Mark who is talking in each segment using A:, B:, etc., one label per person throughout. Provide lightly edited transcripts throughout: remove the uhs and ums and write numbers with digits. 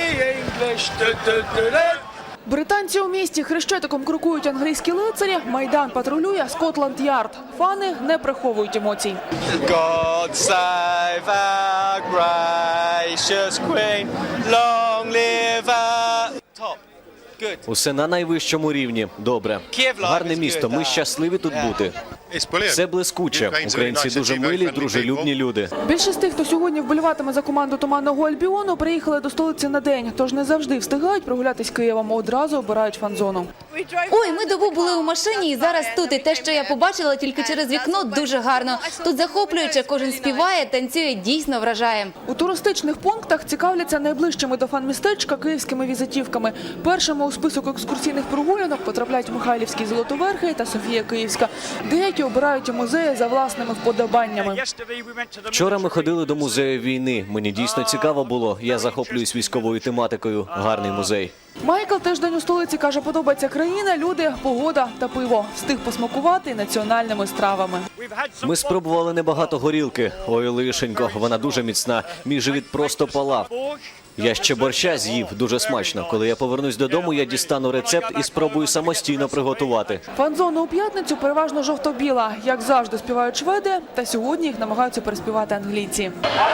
A: English. Do-do-do-do.
B: Британці у місті хрещатиком крокують англійські лицарі, Майдан патрулює Скотланд-Ярд. Фани не приховують емоцій.
C: God save our gracious Queen, long live our... Top. Good.
D: Усе на найвищому рівні. Добре. Гарне місто. Ми щасливі тут бути. Все блискуче. Українці дуже милі, дружелюбні люди.
B: Більшість тих, хто сьогодні вболіватиме за команду Туманного Альбіону, приїхали до столиці на день. Тож не завжди встигають прогулятись Києвом, одразу обирають фан-зону.
E: Ой, ми добу були у машині і зараз тут. І те, що я побачила тільки через вікно, дуже гарно. Тут захоплююче, кожен співає, танцює, дійсно вражає.
B: У туристичних пунктах цікавляться найближчими до фан-містечка київськими візитівками. Першими у список екскурсійних прогулянок потрапляють Михайлівські Золотоверхи та Софія Київська. Деякі обирають у музеї за власними вподобаннями.
D: Вчора ми ходили до музею війни. Мені дійсно цікаво було. Я захоплююсь військовою тематикою. Гарний музей.
B: Майкл теж день у столиці, каже, подобається країна, люди, погода та пиво. Встиг посмакувати національними стравами.
D: Ми спробували небагато горілки. Ой, лишенько, вона дуже міцна. Мій живіт просто палав. Я ще борща з'їв, дуже смачно. Коли я повернусь додому, я дістану рецепт і спробую самостійно приготувати.
B: Фан-зона у п'ятницю переважно жовто-біла. Як завжди співають шведи, та сьогодні їх намагаються переспівати англійці.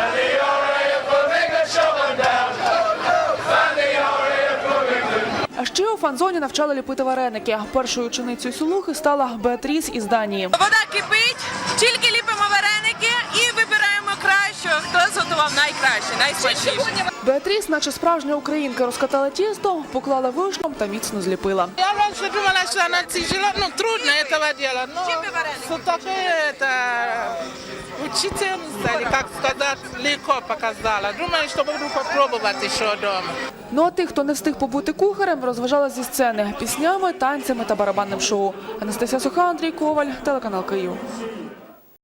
B: А ще у фан-зоні навчали ліпити вареники. Першою ученицею Сулухи стала Беатріс із Данії.
F: Вода кипить, тільки ліпимо вареники і вибираємо кращого, хто зготував найкраще, найсмачніше.
B: Беатріс, наче справжня українка, розкатала тісто, поклала вишням та міцно зліпила.
G: Я раньше думала, что она тяжела, ну трудно этого делать, но все-таки это учительница, или как сказать, легко показала. Думаю, что буду попробовать еще дома.
B: Ну а тих, хто не встиг побути кухарем, розважала зі сцени піснями, танцями та барабанним шоу. Анастасія Суха, Андрій Коваль, телеканал Київ.